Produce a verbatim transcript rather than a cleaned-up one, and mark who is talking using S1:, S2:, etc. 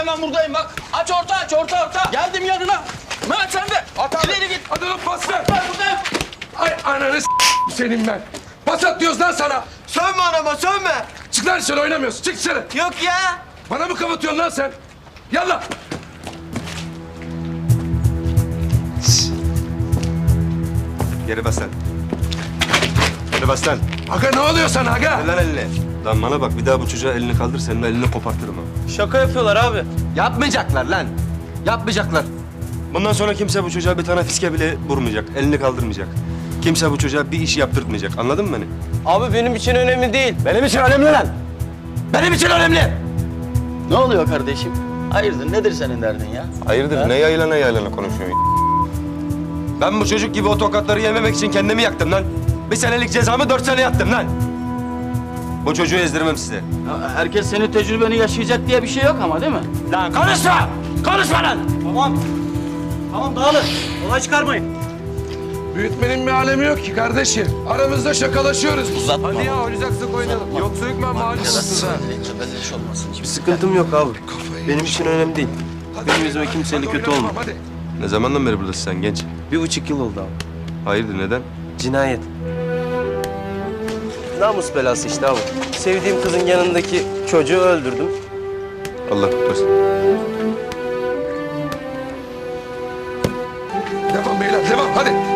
S1: Ben buradayım bak. Aç orta aç orta orta. Geldim yanına. Mehmet sen de.
S2: At abi.
S1: İleri git.
S2: Hadi lan pas ver.
S1: Ben buradayım.
S2: Ay ananı s*** senin ben. Pas at diyoruz lan sana.
S3: Sövme anama sövme.
S2: Çık lan dışarı oynamıyorsun. Çık dışarı.
S3: Yok ya.
S2: Bana mı kapatıyorsun lan sen? Yallah.
S4: Geri bas lan. Geri bas lan.
S2: Aga ne oluyor sana aga?
S4: Ver lan elini. Lan bana bak bir daha bu çocuğa elini kaldır senin elini kopartırım ha.
S1: Şaka yapıyorlar abi.
S4: Yapmayacaklar lan. Yapmayacaklar. Bundan sonra kimse bu çocuğa bir tane fiske bile vurmayacak. Elini kaldırmayacak. Kimse bu çocuğa bir iş yaptırtmayacak. Anladın mı beni?
S1: Abi benim için önemli değil.
S4: Benim için önemli lan. Benim için önemli.
S1: Ne oluyor kardeşim? Hayırdır nedir senin derdin ya?
S4: Hayırdır
S1: Ha?
S4: ne yaylana yaylana konuşuyorsun? Ben bu çocuk gibi o tokatları yememek için kendimi yaktım lan. Bir senelik cezamı dört sene yattım lan. Bu çocuğu ezdirmem size.
S1: Ya herkes senin tecrübeni yaşayacak diye bir şey yok ama değil mi?
S4: Lan konuşma! Konuşma lan!
S1: Tamam. Tamam dağılın. Olay çıkarmayın.
S2: Büyütmenin bir alemi yok ki kardeşim. Aramızda şakalaşıyoruz.
S1: Uzatma.
S2: Hadi ya oynayacaksak oynayalım. Yoksa hükmen mahallisiniz ha.
S1: Belli olmasın.
S5: Bir sıkıntım yok abi. Benim için önemli değil. Benim yüzüme kimseyle
S2: Hadi
S5: kötü
S2: oynayalım,
S5: olma.
S2: Hadi.
S4: Ne zamandan beri buradasın sen genç?
S5: Bir buçuk yıl oldu abi.
S4: Hayırdır neden?
S5: Cinayet. Namus belası işte abi. Sevdiğim kızın yanındaki çocuğu öldürdüm.
S4: Allah kurtarsın.
S2: Devam beyler devam hadi.